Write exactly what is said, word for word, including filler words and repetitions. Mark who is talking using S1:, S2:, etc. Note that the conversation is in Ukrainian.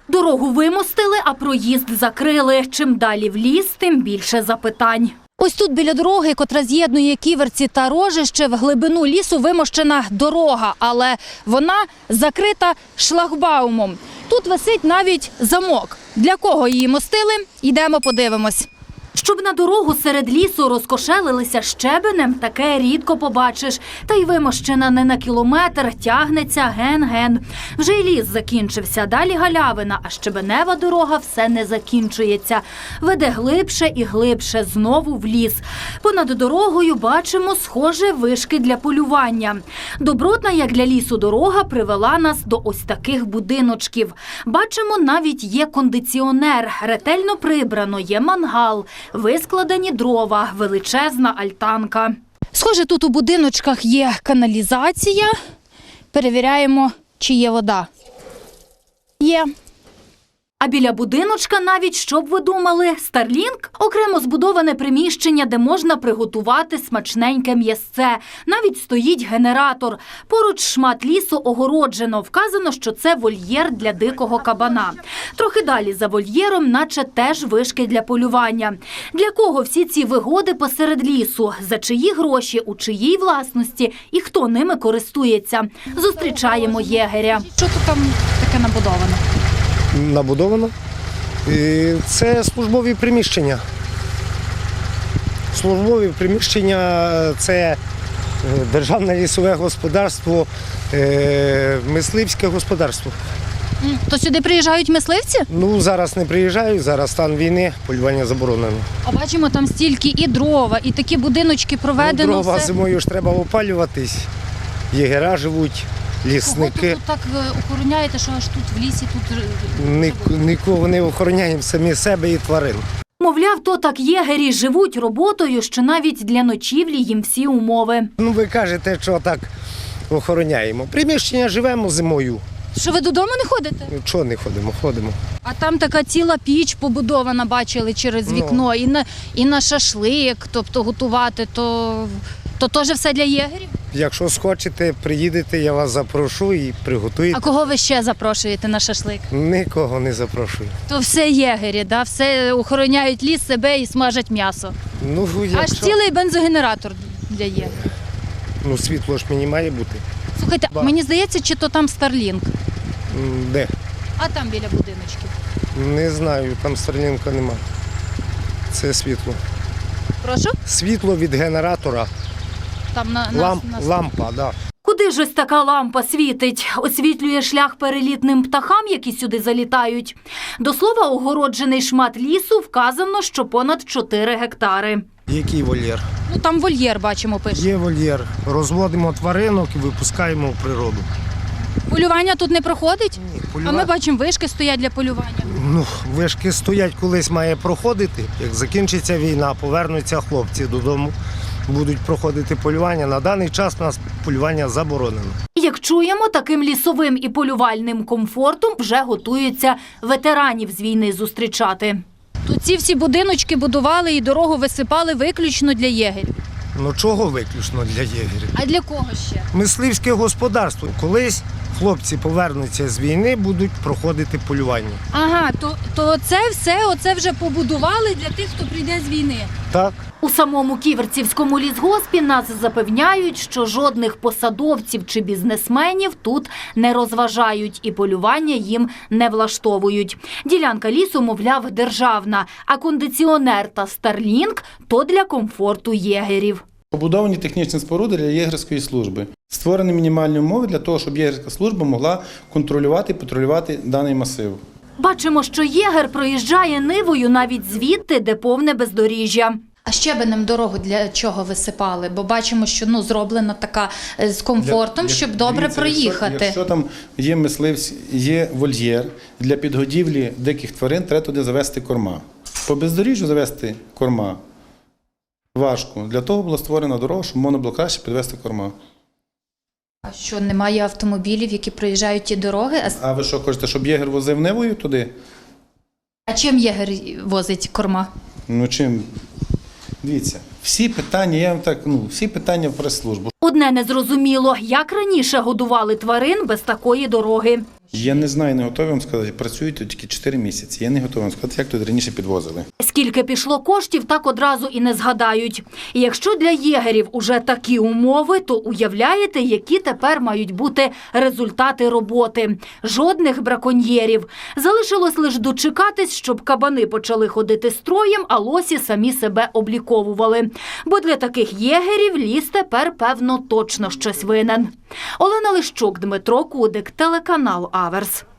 S1: Дорогу вимостили, а проїзд закрили. Чим далі в ліс, тим більше запитань. Ось тут біля дороги, котра з'єднує Ківерці та Рожище, в глибину лісу вимощена дорога, але вона закрита шлагбаумом. Тут висить навіть замок. Для кого її мостили? Йдемо подивимось. Щоб на дорогу серед лісу розкошелилися щебенем, таке рідко побачиш. Та й вимощена не на кілометр, тягнеться ген-ген. Вже й ліс закінчився, далі галявина, а щебенева дорога все не закінчується. Веде глибше і глибше, знову в ліс. Понад дорогою бачимо, схоже, вишки для полювання. Добротна, як для лісу, дорога привела нас до ось таких будиночків. Бачимо, навіть є кондиціонер, ретельно прибрано, є мангал. Вискладені дрова, величезна альтанка. Схоже, тут у будиночках є каналізація. Перевіряємо, чи є вода. Є. А біля будиночка навіть, що б ви думали, Старлінк? Окремо збудоване приміщення, де можна приготувати смачненьке м'ясце. Навіть стоїть генератор. Поруч шмат лісу огороджено. Вказано, що це вольєр для дикого кабана. Трохи далі за вольєром, наче теж вишки для полювання. Для кого всі ці вигоди посеред лісу? За чиї гроші, у чиїй власності і хто ними користується? Зустрічаємо єгеря. Що тут там таке набудовано?
S2: Набудовано. І це службові приміщення. Службові приміщення – це державне лісове господарство, мисливське господарство.
S1: То сюди приїжджають мисливці?
S2: Ну, зараз не приїжджають, зараз стан війни, полювання заборонено.
S1: А бачимо, там стільки і дрова, і такі будиночки проведено.
S2: Ну, дрова
S1: все.
S2: зимою ж треба опалюватись, єгера живуть, лісники.
S1: Кого тут так охороняєте, що аж тут в лісі тут...
S2: Ні, нікого не охороняємо, самі себе і тварин.
S1: Мовляв, то так єгері живуть роботою, що навіть для ночівлі їм всі умови.
S2: Ну, ви кажете, що так охороняємо. Приміщення живемо зимою.
S1: Що ви додому не ходите?
S2: Ну, чого не ходимо? Ходимо.
S1: А там така ціла піч побудована, бачили через вікно,
S2: Ну.
S1: і, на, і на шашлик, тобто готувати, то, то теж все для єгерів?
S2: Якщо схочете, приїдете, я вас запрошу і приготуєте.
S1: А кого ви ще запрошуєте на шашлик?
S2: Нікого не запрошую.
S1: То все єгері, да? Все охороняють ліс, себе і смажать м'ясо.
S2: Ну, якщо...
S1: Аж цілий бензогенератор для єгерів.
S2: Ну, світло ж мені має бути.
S1: Слухайте,
S2: Ба.
S1: мені здається, чи то там Старлінк,
S2: М, Де?
S1: а там біля будиночків.
S2: Не знаю, там Старлінка нема. Це світло.
S1: Прошу?
S2: Світло від генератора.
S1: Там на, на,
S2: Ламп,
S1: на...
S2: лампа, да.
S1: Куди ж ось така лампа світить? Освітлює шлях перелітним птахам, які сюди залітають. До слова, огороджений шмат лісу вказано, що понад чотири гектари.
S2: Який вольєр?
S1: Ну там вольєр, бачимо, пише.
S2: Є вольєр. Розводимо тваринок і випускаємо в природу.
S1: Полювання тут не проходить?
S2: Ні,
S1: А ми
S2: полюва-
S1: бачимо, вишки стоять для полювання.
S2: Ну, вишки стоять, колись має проходити. Як закінчиться війна, повернуться хлопці додому, будуть проходити полювання. На даний час у нас полювання заборонено.
S1: Як чуємо, таким лісовим і полювальним комфортом вже готуються ветеранів з війни зустрічати. Тут ці всі будиночки будували і дорогу висипали виключно для єгерів.
S2: Ну чого виключно для єгерів?
S1: А для кого ще?
S2: Мисливське господарство. Колись хлопці повернуться з війни, будуть проходити полювання.
S1: Ага, то, то це все оце вже побудували для тих, хто прийде з війни.
S2: Так?
S1: У самому Ківерцівському лісгоспі нас запевняють, що жодних посадовців чи бізнесменів тут не розважають і полювання їм не влаштовують. Ділянка лісу, мовляв, державна, а кондиціонер та Старлінк – то для комфорту єгерів.
S3: Побудовані технічні споруди для єгерської служби. Створені мінімальні умови для того, щоб єгерська служба могла контролювати і патрулювати даний масив.
S1: Бачимо, що єгер проїжджає нивою навіть звідти, де повне бездоріжжя. А щебенем дорогу для чого висипали? Бо бачимо, що ну, зроблена така з комфортом,
S3: Для-
S1: щоб добре
S3: дивіться,
S1: проїхати.
S3: Якщо, якщо там є мисливці, є вольєр, для підгодівлі диких тварин треба туди завести корма. По бездоріжжю завести корма важко. Для того була створена дорога, щоб можна було краще підвести корма.
S1: А що, немає автомобілів, які проїжджають ті дороги? А,
S3: А ви що хочете, щоб єгер возив нивою туди?
S1: а чим єгер возить корма?
S3: Ну чим? Дивіться, всі питання, я вам так, ну, всі питання в прес-службу.
S1: Одне незрозуміло, як раніше годували тварин без такої дороги.
S3: Я не знаю, не готовий вам сказати. Працюють тут тільки чотири місяці. Я не готовий вам сказати, як тут раніше підвозили.
S1: Скільки пішло коштів, так одразу і не згадають. І якщо для єгерів уже такі умови, то уявляєте, які тепер мають бути результати роботи. Жодних браконьєрів. Залишилось лише дочекатись, щоб кабани почали ходити строєм, а лосі самі себе обліковували. Бо для таких єгерів ліс тепер, певно, точно щось винен. Олена Лищук, Дмитро Кудик, телеканал Аверс.